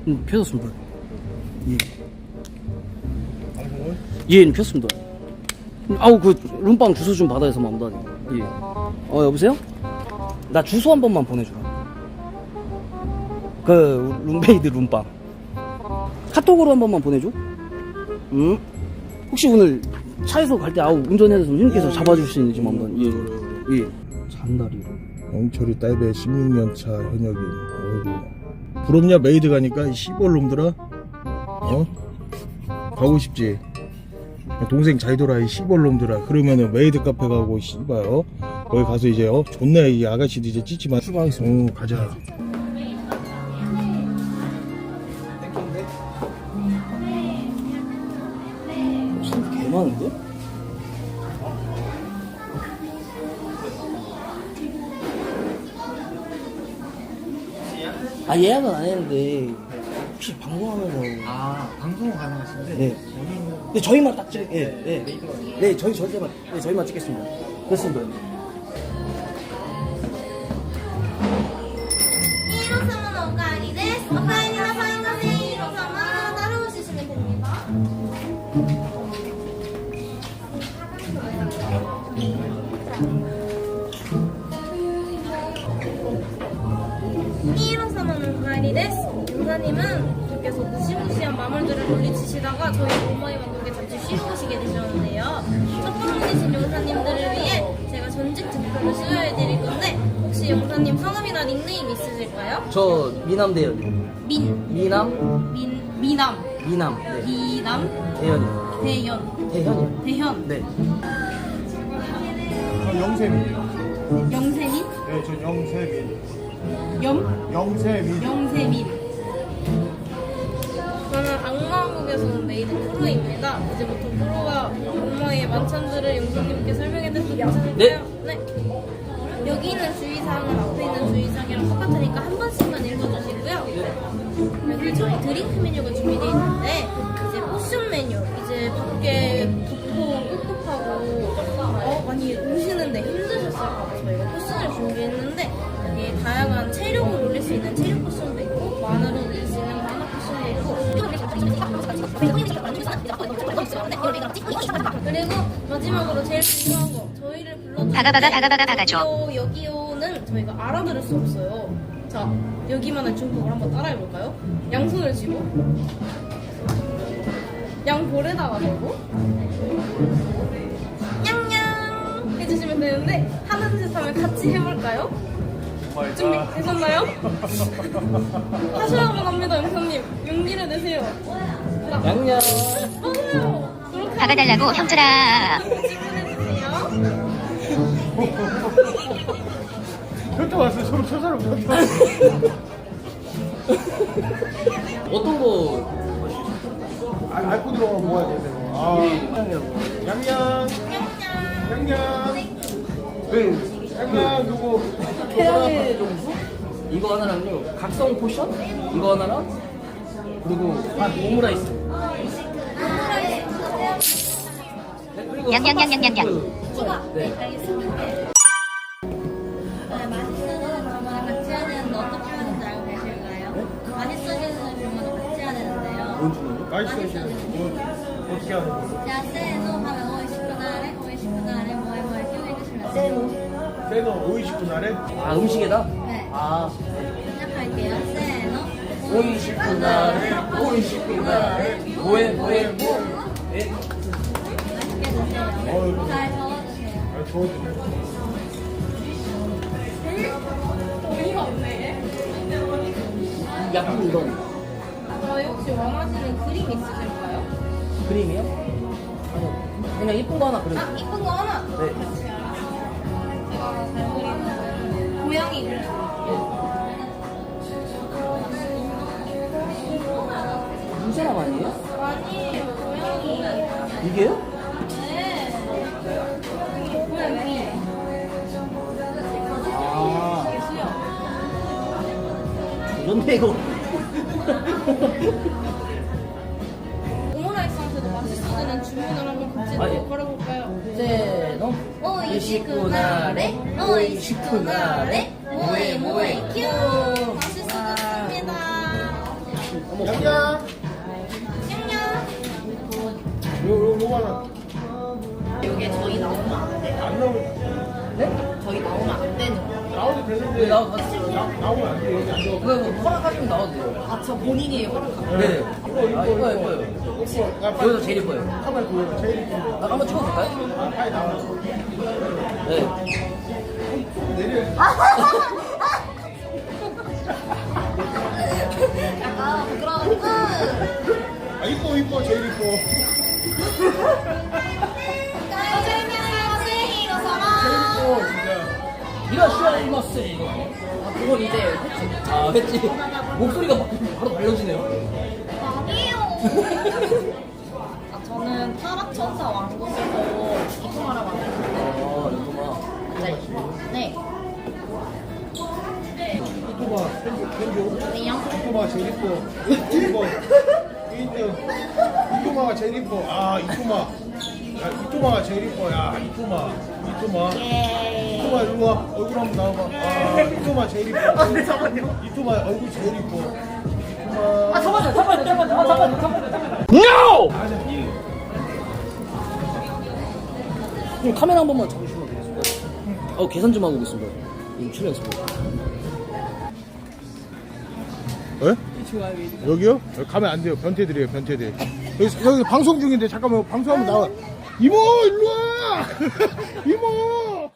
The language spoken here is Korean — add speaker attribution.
Speaker 1: 펴졌습니다. 예. 예, 폈습니다. 아우, 그 룸빵 주소 좀 받아야 해서 마음다. 예. 여보세요? 나 주소 한 번만 보내주라. 그 룸메이드 룸빵 카톡으로 한 번만 보내줘. 응? 혹시 오늘 차에서 갈 때 운전해서 형님께서 잡아줄 수 있는지 마음다. 예. 예. 잔다리.
Speaker 2: 영철이 딸배 16년차 현역인. 어이구. 부럽냐 메이드 가니까 이 시벌 놈들아. 가고 싶지. 동생 잘 돌아 이 시벌 놈들아. 그러면은 메이드 카페 가고 씨발 거기 가서 이제 좋네 이 아가씨도 이제 찌찌만 출발하겠어. 가자.
Speaker 1: 손 개 많은데? 예약은 안 했는데 혹시 방송하면서
Speaker 3: 방송 가능하신데
Speaker 1: 네. 네, 저희만 딱 찍, 네, 저희만 찍겠습니다. 됐습니다.
Speaker 4: ヒーロー様のお帰りです。お帰りなさいませ、ヒーロー様。誰をしに됩니다。 히ーロー様のお帰りです。용사님은 밖에서 무시무시한 마물들을 물리치시다가 저희 오마이 왕국에 잠시 쉬러 오시게 되셨는데요. 첫방문이신 용사님들을 위해 제가 전직 특별을 수여해드릴 건데 혹시 용사님 성함이나 닉네임 있으실까요?
Speaker 1: 저 미남대요.
Speaker 4: 미남.
Speaker 1: 미남. 네.
Speaker 4: 미남.
Speaker 1: 대현이요.
Speaker 4: 대현이요. 대현.
Speaker 1: 네.
Speaker 2: 영세민이요.
Speaker 4: 영세민?
Speaker 2: 네, 저 영세민.
Speaker 4: 영세민. 저는 악마왕국에서 온 메이드 프로입니다. 이제부터 프로와 악마의 만찬들을 용사님께 설명해드려도 괜찮을까요? 네. 여기 있는 주의사항은 앞에 있는 주의사항이랑 똑같으니까 한 번씩만 읽어주시고요. 여기 저희 드링크 메뉴가 준비되어 있는데 이제 포션 메뉴, 이제 밖에 덥고 꿉꿉하고 많이 오시는데 힘드셨을까봐 저희가 포션을 준비했는데 여기 다양한 체력을 올릴 수 있는 체력 포션도 있고 만화를 올릴 수 있는 만화 포션도 있고 그리고 마지막으로 제일 중요한 거 저희를 불러주는데 여기요는 저희가 알아들을 수 없어요. 자, 여기만의 중국어를 한번 따라해볼까요? 양손을 쥐고 양볼에다가 대고 냥냥 해주시면 되는데 하나 둘 셋 하면 같이 해볼까요? 준비되셨나요? 하셔야만 합니다. 영사님 용기를 내세요.
Speaker 1: 양양.
Speaker 4: 맞아요.
Speaker 5: 박아달라고 형철아.
Speaker 4: 질문해주세요.
Speaker 2: 현타 왔어. 저 사람 현타 왔어.
Speaker 1: 어떤 거?
Speaker 2: 앓고 들어가면 뭐야 되세요? 양양. 양양 누구?
Speaker 1: 태양의 정수? 이거 하나랑요. 각성 포션? 이거 하나랑 그리고 오므라이스. 네, 그리고
Speaker 5: 양양양양양양.
Speaker 1: 네.
Speaker 4: 알겠습니다. 맛있는 주문을 같이 해야 되는데 어떻게 하는지 알고 계실까요? 맛있어지는 주문을 같이 해야 되는데요.
Speaker 1: 뭔 주문이요?
Speaker 2: 맛있어지는 어떻게 하는 거야?
Speaker 4: 자, 세노 하면 오이시쿠나레, 오이시쿠나레, 뭐에 키워해주시면 세노.
Speaker 2: 세노 50분 안에?
Speaker 1: 음식에다?
Speaker 4: 네. 시작할게요. 세노.
Speaker 1: 오이시쿠나레 뭐에
Speaker 4: 맛있게 드세요. 잘 적어주세요.
Speaker 2: 좋아지네.
Speaker 4: 어이가 없네.
Speaker 1: 약간 이런
Speaker 4: 저희 혹시 원하시는 그림 있으실까요?
Speaker 1: 그림이요? 아니요. 그냥 예쁜 거 하나 그려요.
Speaker 4: 이쁜 거 하나.
Speaker 1: 네.
Speaker 4: 제가 잘 그리는 고양이 그림.
Speaker 1: 이 사람 아니에요?
Speaker 4: 아니에요, 고양이.
Speaker 1: 이게요?
Speaker 4: 네. 고양이.
Speaker 1: 그런데 이거
Speaker 4: 오므라이스한테도 맛있어지는 주문을 한번 같이
Speaker 1: 예.
Speaker 4: 걸어볼까요?
Speaker 1: 세노
Speaker 4: 오이시쿠나레, 오이시쿠나레, 모에 큐. 맛있어졌습니다.
Speaker 1: 어머
Speaker 2: 양양. 요거는
Speaker 6: 이게 저희 나오면 안 돼요.
Speaker 2: 안 나오면
Speaker 6: 네? 저희 나오면 안 되는 거예요.
Speaker 2: 나오도 되는데
Speaker 1: 네, 나와도 같이
Speaker 2: 나오면 안 돼. 여기 안 나오고.
Speaker 1: 그거 뭐 허락하시면 나와도 돼요.
Speaker 6: 아, 저 본인이 허락하고.
Speaker 1: 네. 아, 이뻐요.
Speaker 2: 혹시
Speaker 1: 여기서 제일 이뻐요.
Speaker 2: 카메라 보여. 제일 이쁜 거.
Speaker 1: 나 한번 찍어도 될까요?
Speaker 2: 아, 빨리 나와.
Speaker 1: 네.
Speaker 4: 약간 부끄러우니까.
Speaker 2: 아, 이뻐. 제일 이뻐. 이뻐, 진짜.
Speaker 1: 이라시아이마스 이거. 아, 그건 이제 했지. 아, 했지. 목소리가 바로 달라지네요.
Speaker 4: 아니에요.
Speaker 6: 아, 저는 타락천사 왕국에서 이통하라고 왔는데.
Speaker 1: 아, 이거구나.
Speaker 6: 앉아있어요. 네.
Speaker 2: 이뻐봐. 펜조.
Speaker 6: 안녕.
Speaker 2: 이뻐봐, 제일 이뻐. 이뻐. 1등. 이토마가 제일 이뻐. 아, 이토마. 야, 이토마가 제일 이뻐. 야, 이토마.
Speaker 6: 예.
Speaker 2: 이토마, 이리 와. 얼굴 한번 나와봐. 아, 이토마 제일 이뻐. 네, 잠깐만요. 이토마 얼굴 제일 이뻐. 이토마.
Speaker 1: 아, 잠깐만요. NO! 그럼 카메라 한 번만 잡으시면 되겠습니다. 계산 좀 하고 오겠습니다. 지금 출연했습니다.
Speaker 2: 에? 여기요? 여기 가면 안 돼요. 변태들이에요, 변태들. 여기 방송 중인데 잠깐만 방송하면 나와. 이모 일로 와. 이모.